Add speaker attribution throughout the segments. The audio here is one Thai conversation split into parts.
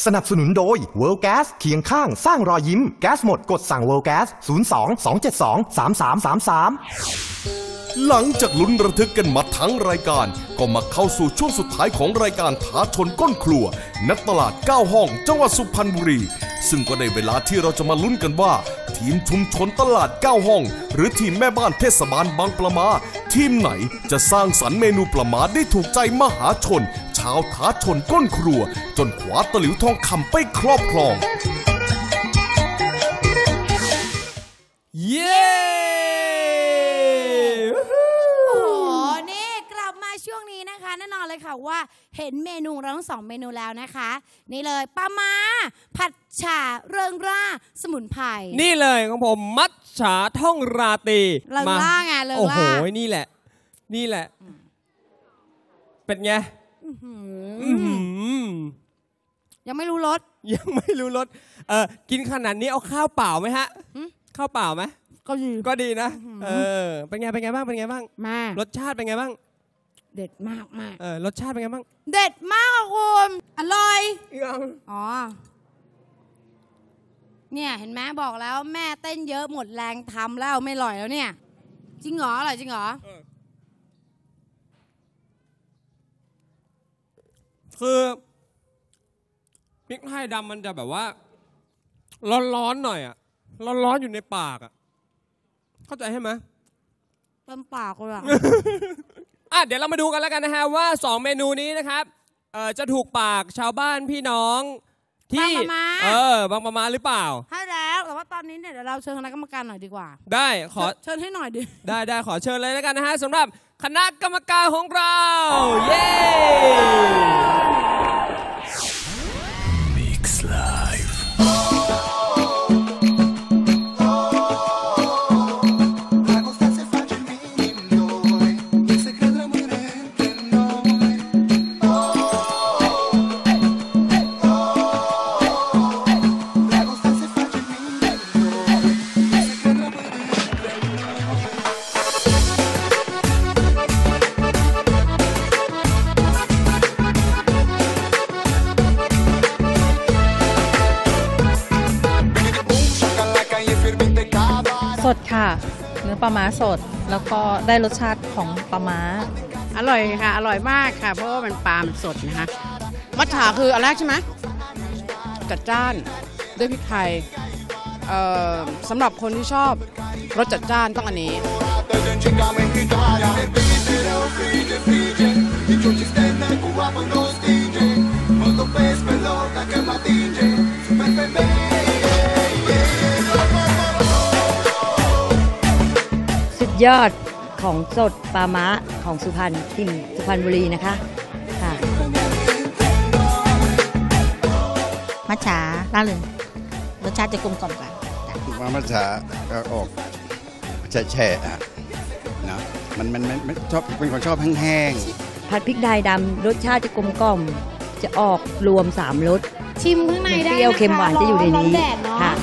Speaker 1: สนับสนุนโดย World Gas เคียงข้างสร้างรอยยิ้มแก๊สหมดกดสั่ง World Gas 02-272-3333
Speaker 2: หลังจากลุ้นระทึกกันมาทั้งรายการก็มาเข้าสู่ช่วงสุดท้ายของรายการท้าชนก้นครัวณตลาด9ห้องจังหวัดสุพรรณบุรีซึ่งก็ได้เวลาที่เราจะมาลุ้นกันว่าทีมชุมชนตลาด9ห้องหรือทีมแม่บ้านเทศบาลบางปลามาทีมไหนจะสร้างสรรค์เมนูปลามาได้ถูกใจมหาชนชาวท้าชนก้นครัวจนคว้าตะหลิวทองคำไปครอบครอง
Speaker 3: เย้
Speaker 4: ช่วงนี้นะคะแน่นอนเลยค่ะว่าเห็นเมนูเราทั้ง2เมนูแล้วนะคะนี่เลยปลาม้าผัดฉ่าเริงร่าสมุนไพร
Speaker 3: นี่เลยของผมมัทฉาท่องราตรี
Speaker 4: เริงร่าไงเริงร่า
Speaker 3: โอ้โหนี่แหละเป็นไง
Speaker 4: ยังไม่รู้รส
Speaker 3: กินขนาดนี้เอาข้าวเปล่าไหมฮะข้าวเปล่าไหมก็ดีนะเป็นไงบ้าง
Speaker 4: มาก
Speaker 3: รสชาติเป็นไงบ้าง
Speaker 4: เด็ดมาก
Speaker 3: รสชาติเป็นไงบ้าง
Speaker 4: เด็ดมากคุณอร่อยอ๋อเนี่ยเห็นไหมบอกแล้วแม่เต้นเยอะหมดแรงทำแล้วไม่อร่อยแล้วเนี่ยจริงเหรออร่อยจริงเหรอ
Speaker 3: คือพริกไทยดำมันจะแบบว่าร้อนหน่อยอ่ะร้อนอยู่ในปากอ่ะเข้าใจใช่ไหม
Speaker 4: เต็มปากเลยอ่ะ
Speaker 3: เดี๋ยวเรามาดูกันแล้วกันนะฮะว่า2เมนูนี้นะครับจะถูกปากชาวบ้านพี่น้องที่บางปะมาหรือเปล่า
Speaker 4: ใช่แล้วแต่ว่าตอนนี้เนี่ยเดี๋ยวเราเชิญคณะกรรมการหน่อยดีกว่า
Speaker 3: ได้ขอ
Speaker 4: เชิญให้หน่อยดิ
Speaker 3: ได้ขอเชิญเลยแล้วกันนะฮะสำหรับคณะกรรมการของเราเย้ Mix Live
Speaker 5: สดค่ะเนื้อปลาม้าสดแล้วก็ได้รสชาติของปลาม้า
Speaker 6: อร่อยค่ะอร่อยมากค่ะเพราะว่ามันปลามันสดนะคะมัทฉาคืออันแรกใช่ไหมจัดจ้านด้วยพริกไทยสำหรับคนที่ชอบรสจัดจ้านต้องอันนี้
Speaker 7: ยอดของสดปลาม้าของสุพรรณที่สุพรรณบุรีนะคะค่ะ
Speaker 8: มัทฉาล่าเริงรสชาติจะกลมกล่อมกว่า
Speaker 9: มัทฉาก็ออกแฉะๆนะมันชอบเป็นคนชอบแห้ง
Speaker 7: ๆผัดพริกไทยดำรสชาติจะกลมกล่อมจะออกรวม3รส
Speaker 4: ชิมข้างในได้นะคะ
Speaker 7: เปรี้ยวเค็มหวานจะอยู่ในนี้ค่ะ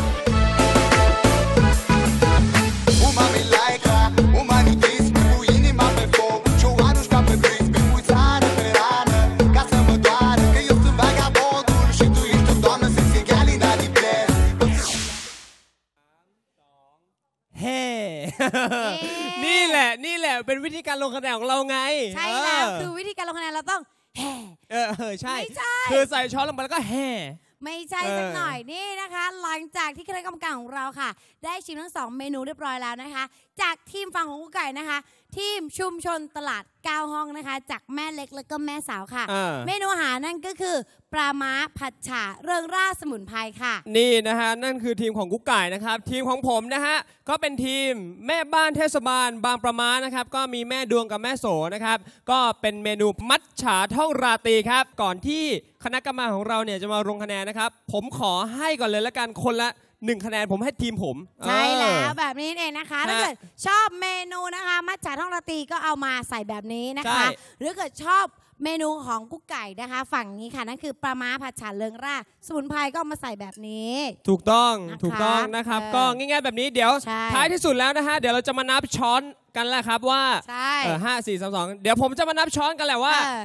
Speaker 3: นี่แหละเป็นวิธีการลงคะแนนของเราไง
Speaker 4: ใช่แล้วคือวิธีการลงคะแนนเราต้องแห่
Speaker 3: ใช่คือใส่ช้อนลงไปแล้วก็แห่
Speaker 4: ไม่ใช่สักหน่อยนี่นะคะหลังจากที่คณะกรรมการของเราค่ะได้ชิมทั้ง2เมนูเรียบร้อยแล้วนะคะจากทีมฝั่งของกุ๊กไก่นะคะทีมชุมชนตลาด9ห้องนะคะจากแม่เล็กแล้วก็แม่สาวค่ะเมนูอาหารนั่นก็คือปลาม้าผัดฉ่าเริงร่าสมุนไพรค่ะ
Speaker 3: นี่นะฮะนั่นคือทีมของกุ๊กไก่นะครับทีมของผมนะฮะก็เป็นทีมแม่บ้านเทศบาลบางปะมานะครับก็มีแม่ดวงกับแม่โสนะครับก็เป็นเมนูมัทฉาท่องราตรีครับก่อนที่คณะกรรมการของเราเนี่ยจะมาลงคะแนนนะครับผมขอให้ก่อนเลยละกันคนละ1คะแนนผมให้ทีมผม
Speaker 4: ใช่แล้วแบบนี้เองนะคะถ้าเกิดชอบเมนูนะคะมัทฉาท่องราตรีก็เอามาใส่แบบนี้นะคะหรือเกิดชอบ เมนูของกุ๊กไก่นะคะฝั่งนี้ค่ะนั่นคือปลาม้าผัดฉ่าเริงร่าสมุนไพรก็มาใส่แบบนี้
Speaker 3: ถูกต้องนะครับก็ง่ายๆแบบนี้เดี๋ยวท้ายที่สุดแล้วนะฮะเดี๋ยวเราจะมานับช้อนกันแหละครับว่า5 4 3 2เดี๋ยวผมจะมานับช้อนกันแหละว่า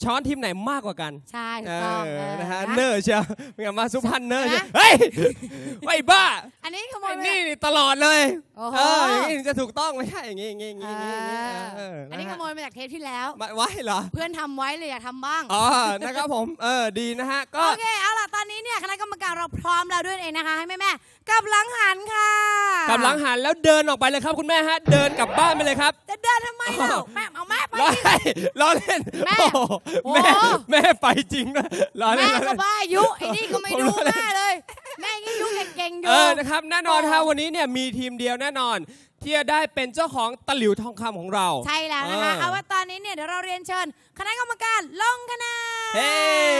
Speaker 3: ช้อนทีมไหนมากกว่ากัน
Speaker 4: ใช่ถูกต้อง
Speaker 3: นะฮะเนอร์เชียวเป็นไงมาสุพรรณเนอร์เชียวเฮ้ยไอ้บ้า
Speaker 4: อันนี้ขโมย
Speaker 3: นี่ตลอดเลยอย่างนี้จะถูกต้องไม่ใช่อย่างนี้
Speaker 4: อันนี้ขโมยมาจากเทปที่แล้ว
Speaker 3: ไว้เหรอ
Speaker 4: เพื่อนทำไว้เลยอยากทำบ้าง
Speaker 3: นะครับผมดีนะฮะก็
Speaker 4: โอเคเอาล่ะตอนนี้เนี่ยคณะกรรมการเราพร้อมแล้วด้วยเองนะคะให้แม่กลับหลังหันค่ะ
Speaker 3: กลับหลังหันแล้วเดินออกไปเลยครับคุณแม่ฮะเดินกลับบ้านไปเลยครับ
Speaker 4: จะเดินทำไมเล่าแม่เอาแม่ไป
Speaker 3: ล้อเล่นแม่ไปจริงนะล้อเล่น
Speaker 4: แม่ก็บ้ายุไอ้นี่ก็ไม่ดูแม่เลยแม่ยิ่งยุเก่งอยู่
Speaker 3: นะครับแน่นอนถ้าวันนี้เนี่ยมีทีมเดียวแน่นอนที่จะได้เป็นเจ้าของตะหลิวทองคำของเรา
Speaker 4: ใช่แล้วนะคะเอาว่าตอนนี้เนี่ยเดี๋ยวเราเรียนเชิญคณะกรรมการลงคะแนน
Speaker 3: เฮ้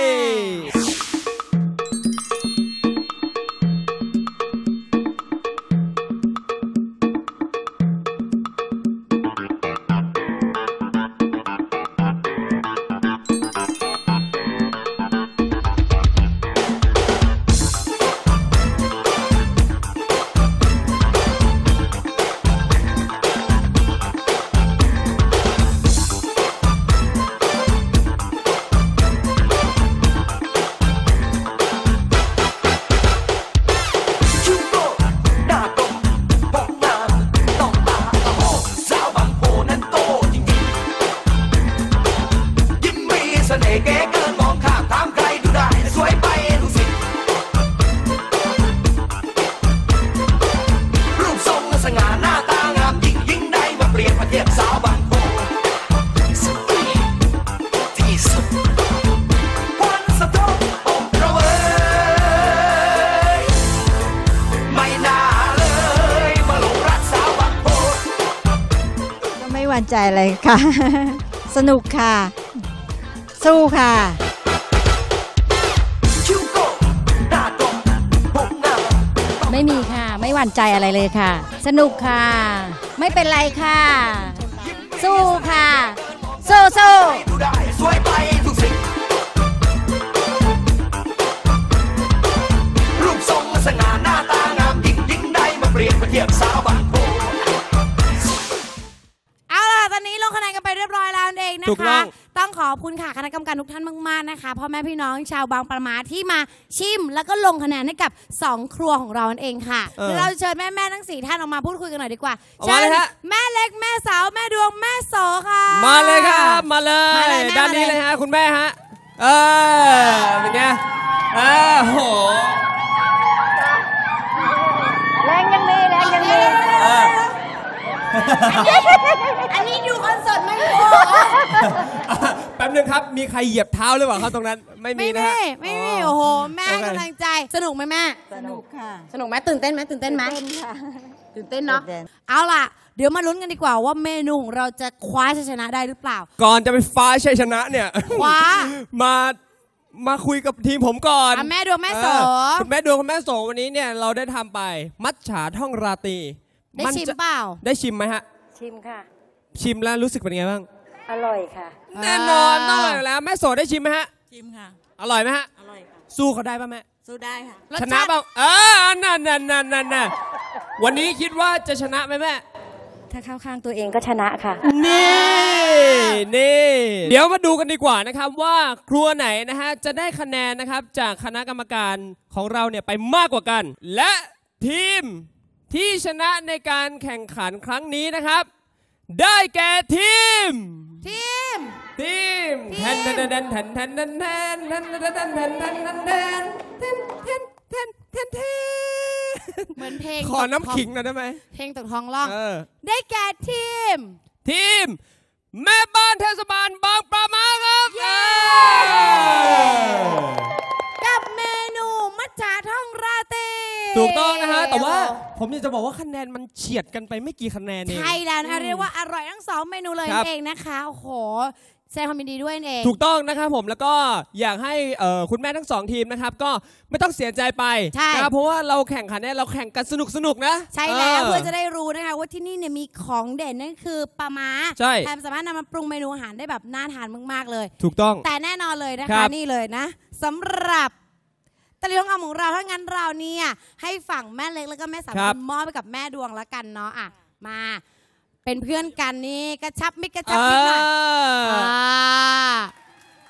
Speaker 7: ไม่หวั่นใจอะไรค่ะ สนุกค่ะสู้ค่ะ
Speaker 8: ไม่มีค่ะไม่หวั่นใจอะไรเลยค่ะสนุกค่ะไม่เป็นไรค่ะสู้ค่ะสู้สวยไปทุกสิ่งรูปทรงสง่าหน้าตางามยิ่งได้มาเปรียบเทียบสาวบางโพ
Speaker 4: ตอนนี้ลงคะแนนกันไปเรียบร้อยแล้วเองนะคะต้องขอบคุณค่ะคณะกรรมการทุกท่านมากๆนะคะพ่อแม่พี่น้องชาวบางประมาที่มาชิมแล้วก็ลงคะแนนให้กับ2ครัวของเราเองค่ะเราเชิญแม่ทั้ง4ท่านออกมาพูดคุยกันหน่อยดีกว่าเชิญแม่เล็กแม่สาวแม่ดวงแม่โสค่ะ
Speaker 3: มาเลยครับมาเลยด้านนี้เลยฮะคุณแม่ฮะเป็นไงโห
Speaker 4: แรงยังมีอันนี้ดูคอนเสิร์ตไม่พอ
Speaker 3: แป๊บนึงครับมีใครเหยียบเท้าหรือเปล่าครับตรงนั้นไม่มีนะ
Speaker 4: ไม่มีโอ้โหแม่กำลังใจสนุกไหมแม่
Speaker 7: สนุกค่ะ
Speaker 4: สนุกไหมตื่นเต้นไหมตื่นเต้นเนาะเอาล่ะเดี๋ยวมาลุ้นกันดีกว่าว่าเมนูของเราจะคว้าชัยชนะได้หรือเปล่า
Speaker 3: ก่อนจะไปฟ้าชัยชนะเนี่ย
Speaker 4: คว้า
Speaker 3: มาคุยกับทีมผมก่อน
Speaker 4: แม่ดวงแม่โส
Speaker 3: คุณแม่ดวงคุณแม่โสวันนี้เนี่ยเราได้ทำไปมัทฉาท่องราตรี
Speaker 4: ได้ชิมเปล่า
Speaker 3: ได้ชิมไหมฮะ
Speaker 7: ชิมค่ะ
Speaker 3: ชิมแล้วรู้สึกเป็นไงบ้าง
Speaker 7: อร่อยค่ะ
Speaker 3: แน่นอนต้องอร่อยแล้วแม่โสได้ชิมไหมฮะ
Speaker 7: ชิมค่ะ
Speaker 3: อร่อยไหมฮะ
Speaker 7: อร่อยค่ะ
Speaker 3: สู้เขาได้ป่ะแม่
Speaker 7: สู้ได้ค่ะ
Speaker 3: ชนะเปล่านั่นวันนี้คิดว่าจะชนะไหมแม่
Speaker 7: ถ้าเข้าข้างตัวเองก็ชนะค่ะ
Speaker 3: นี่เดี๋ยวมาดูกันดีกว่านะครับว่าครัวไหนนะฮะจะได้คะแนนนะครับจากคณะกรรมการของเราเนี่ยไปมากกว่ากันและทีมที่ชนะในการแข่งขันครั้งนี้นะครับได้แก่ทีมแทน
Speaker 4: เหมือนเพลง
Speaker 3: ขอน้ำขิงหน่อยได้ไหม
Speaker 4: เพลงตกท้องร้องได้แก่ทีม
Speaker 3: แม่บ้านเทศบาลบางปะมาครับ
Speaker 4: กับเมนูมัทฉาท่องราตรี
Speaker 3: ถูกต้องนะฮะแต่ว่าผมอยากจะบอกว่าคะแนนมันเฉียดกันไปไม่กี่คะแนนเอง
Speaker 4: ใช่แล้วนะคะเรียกว่าอร่อยทั้ง2เมนูเลยเองนะคะโอ้โหแสดงความยินดีด้วยเอง
Speaker 3: ถูกต้องนะครับผมแล้วก็อยากให้คุณแม่ทั้ง2ทีมนะครับก็ไม่ต้องเสียใจไปนะครับเพราะว่าเราแข่งขันเนี่ยเราแข่งกันสนุกนะ
Speaker 4: ใช่แล้วเพื่อจะได้รู้นะคะว่าที่นี่เนี่ยมีของเด่นนั่นคือปลาม้า
Speaker 3: ใช่
Speaker 4: สามารถนำมาปรุงเมนูอาหารได้แบบน่าทานมากๆเลย
Speaker 3: ถูกต้อง
Speaker 4: แต่แน่นอนเลยนะคะนี่เลยนะสำหรับตะลิวทองคำของเราถ้างั้นเราเนี่ยให้ฝั่งแม่เล็กแล้วก็แม่สาวมอบไปกับแม่ดวงแล้วกันเนาะอ่ะมาเป็นเพื่อนกันนี่กระชับมิตรกระชับมิตรหน่อย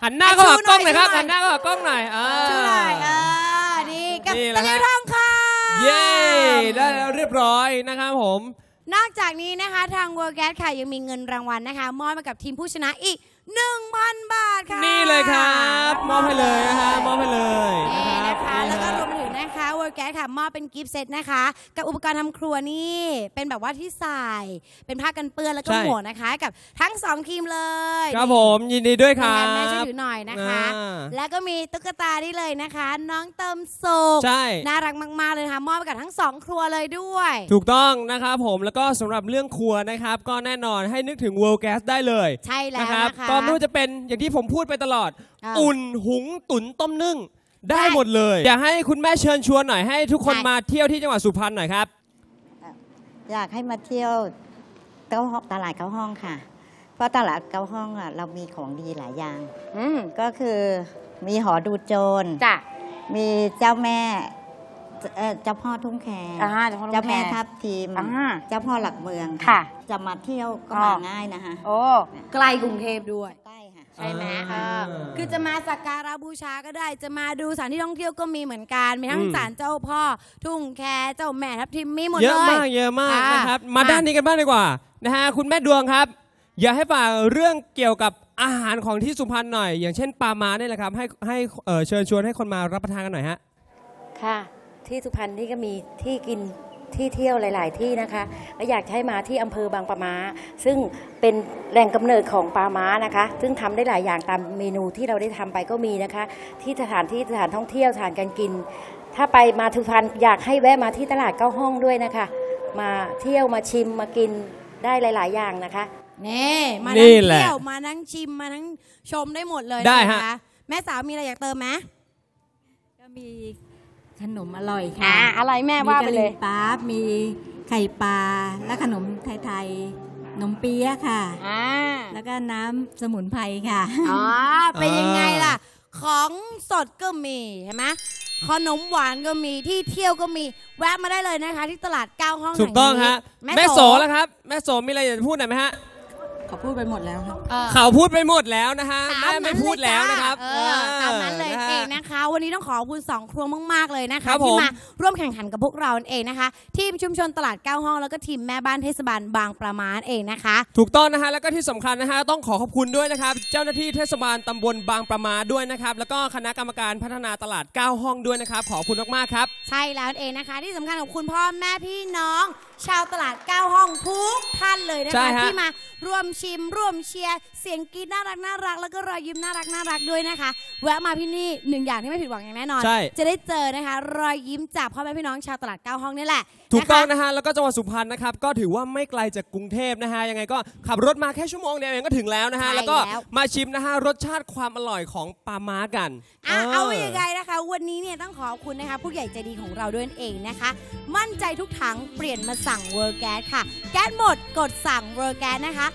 Speaker 3: หันหน้าเข้าหากล้องหน่อยครับหันหน้าเข้าหากล้องหน่อย
Speaker 4: ชูหน่อยนี่กับตะลิวทองคำ
Speaker 3: เย้ได้แล้วเรียบร้อยนะครับผม
Speaker 4: นอกจากนี้นะคะทาง World Gas ค่ะยังมีเงินรางวัลนะคะมอบให้กับทีมผู้ชนะอีก 1,000 บาทค่ะ
Speaker 3: นี่เลยครับมอบให้เลยนะคะมอบให้เลย
Speaker 4: นี่นะคะแล้วก็รวมไปถึงนะคะ World Gas ค่ะมอบเป็นกิฟต์เซตนะคะกับอุปกรณ์ทำครัวนี่เป็นแบบว่าที่ใส่เป็นผ้ากันเปื้อนแล้วก็หมวกนะคะกับทั้ง2ทีมเลย
Speaker 3: ครับผมยินดีด้วยครับ
Speaker 4: แม่ช่วยถือหน่อยนะคะแล้วก็มีตุ๊กตานี่เลยนะคะน้องเติมสุขน่ารักมากๆเลยค่ะมอบไปกับทั้ง2ครัวเลยด้วย
Speaker 3: ถูกต้องนะครับผมแล้วก็สำหรับเรื่องครัวนะครับก็แน่นอนให้นึกถึง World Gas ได้เลย
Speaker 4: ใช่แล้วนะคะ
Speaker 3: ก็ไม่ว่าจะเป็นอย่างที่ผมพูดไปตลอดอุ่นหุงตุ๋นต้มนึ่งได้หมดเลยอยากให้คุณแม่เชิญชวนหน่อยให้ทุกคนมาเที่ยวที่จังหวัดสุพรรณหน่อยครับ
Speaker 7: อยากให้มาเที่ยวตลาดเก้าห้องค่ะเพราะตลาดเก้าห้องเรามีของดีหลายอย่างก็คือมีหอดูโจรมีเจ้าแม่เจ้าพ่อทุ่งแคเจ้าแม่ทับทิมเจ้าพ่อหลักเมืองค่ะจะมาเที่ยวก็มาง่ายนะคะ
Speaker 4: โอ้ใกล้กรุงเทพด้วยใกล้ค่ะใช่ไหมคือจะมาสักการะบูชาก็ได้จะมาดูสถานที่ท่องเที่ยวก็มีเหมือนกันมีทั้งศาลเจ้าพ่อทุ่งแคเจ้าแม่ทับทิมมีหมดเลย
Speaker 3: เยอะมากนะครับมาด้านนี้กันบ้างดีกว่านะฮะคุณแม่ดวงครับอยากให้ฝากเรื่องเกี่ยวกับอาหารของที่สุพรรณหน่อยอย่างเช่นปลาม้าเนี่ยแหละครับให้เชิญชวนให้คนมารับประทานกันหน่อยฮะ
Speaker 10: ค่ะที่สุพรรณนี่ก็มีที่กินที่เที่ยวหลายๆที่นะคะและอยากให้มาที่อำเภอบางปะม้าซึ่งเป็นแหล่งกำเนิดของปลาม้านะคะซึ่งทำได้หลายอย่างตามเมนูที่เราได้ทำไปก็มีนะคะที่สถานท่องเที่ยวสถานการกินถ้าไปมาสุพรรณอยากให้แวะมาที่ตลาดเก้าห้องด้วยนะคะมาเที่ยวมาชิมมากินได้หลายๆอย่างนะคะ
Speaker 4: นี่มานั่งเที่ยวมานั่งชิมมานั่งชมได้หมดเลยนะคะแม่สาวมีอะไรอยากเติมไหม
Speaker 8: ก็มีขนมอร่อยค่ะ
Speaker 4: อะไรแม่ว่าไปเลย
Speaker 8: มีกะหรี่ปั๊บมีไข่ปลาและขนมไทยๆขนมเปี๊ยะค่ะแล้วก็น้ำสมุนไพรค่ะ
Speaker 4: เป็นยังไงล่ะของสดก็มีใช่ไหมขนมหวานก็มีที่เที่ยวก็มีแวะมาได้เลยนะคะที่ตลาด9ห้อง
Speaker 3: ถูกต้องฮะแม่โสแล้วครับแม่โสมีอะไรอยากจะพูดหน่อยไหมฮะ
Speaker 8: เขาพูดไปหมดแล้วครับ
Speaker 3: เขาพูดไปหมดแล้วนะคะแม่ไม่พูดแล้วนะครับ
Speaker 4: ตามนั้นเลยเองนะคะวันนี้ต้องขอบคุณ2ครัวมากๆเลยนะคะที่มาร่วมแข่งขันกับพวกเราเองนะคะทีมชุมชนตลาด9ห้องแล้วก็ทีมแม่บ้านเทศบาลบางปะม้าเองนะคะ
Speaker 3: ถูกต้องนะคะแล้วก็ที่สำคัญนะคะต้องขอบคุณด้วยนะครับเจ้าหน้าที่เทศบาลตำบลบางปะม้าด้วยนะครับแล้วก็คณะกรรมการพัฒนาตลาด9ห้องด้วยนะครับขอบคุณมากๆครับ
Speaker 4: ใช่แล้วเองนะคะที่สำคัญขอบคุณพ่อแม่พี่น้องชาวตลาด9ห้องทุกท่านเลยนะคะที่มาร่วมชิมร่วมเชียร์เสียงกรี๊ดน่ารักแล้วก็รอยยิ้มน่ารักด้วยนะคะแวะมาที่นี่1อย่างที่ไม่ผิดหวังอย่างแน่นอนจะได้เจอนะคะรอยยิ้มจากพ่อแม่พี่น้องชาวตลาด9ห้องนี่แหละ
Speaker 3: ถูกต้องนะฮะแล้วก็จังหวัดสุพรรณนะครับก็ถือว่าไม่ไกลจากกรุงเทพนะฮะยังไงก็ขับรถมาแค่ชั่วโมงเดียวเองก็ถึงแล้วนะฮะแล้วก็มาชิมนะฮะรสชาติความอร่อยของปลาม้ากัน
Speaker 4: เอาอย่างไรนะคะวันนี้เนี่ยต้องขอบคุณนะคะผู้ใหญ่ใจดีของเราด้วยเองนะคะมั่นใจทุกถังเปลี่ยนมาสั่ง World Gas ค่ะแก๊สหมดกดสั่ง World Gas นะคะ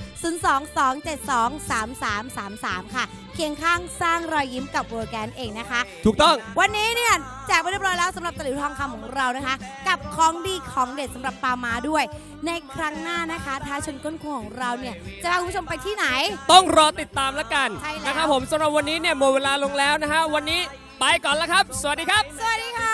Speaker 4: 022723333ค่ะเคียงข้างสร้างรอยยิ้มกับ World Gas เองนะคะ
Speaker 3: ถูกต้อง
Speaker 4: วันนี้เนี่ยแจกไปเรียบร้อยแล้วสำหรับตะหลิวทองคำของเรานะคะกับของดีของเด็ดสำหรับปลาม้าด้วยในครั้งหน้านะคะท้าชนก้นครัวของเราเนี่ยจะพาคุณผู้ชมไปที่ไหน
Speaker 3: ต้องรอติดตามแล้วกันนะครับผมสำหรับวันนี้เนี่ยหมดเวลาลงแล้วนะฮะวันนี้ไปก่อนแล้วครับสวัสดีครับ
Speaker 4: สวัสดีค่ะ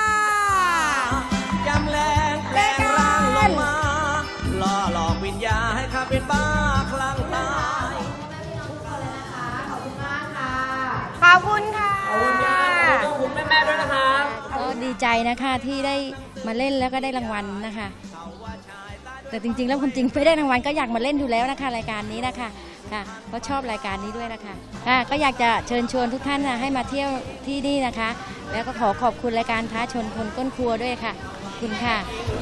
Speaker 11: ยำแรงแปลงร่างลงมาล่อหลอกวิญญาณให้ข้าเป็นบ้าคลั่งตาย
Speaker 4: ขอบคุณมากค่ะขอบคุณค่ะ
Speaker 3: ขอบคุณค่ะขอบคุณแม่ๆด้วยนะครับ
Speaker 10: ก็ดีใจนะคะที่ได้มาเล่นแล้วก็ได้รางวัลนะคะแต่จริงๆแล้วคุณจริงไม่ได้รางวัลก็อยากมาเล่นอยู่แล้วนะคะรายการนี้นะคะค่ะก็ชอบรายการนี้ด้วยนะคะค่ะก็อยากจะเชิญชวนทุกท่านนะให้มาเที่ยวที่นี่นะคะแล้วก็ขอขอบคุณรายการท้าชนคนก้นครัวด้วยค่ะขอบคุณค่ะ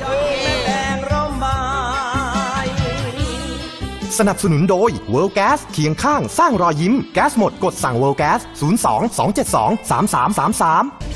Speaker 1: สนับสนุนโดย World Gas เคียงข้างสร้างรอยยิ้มแก๊สหมดกดสั่ง World Gas 02 272 3333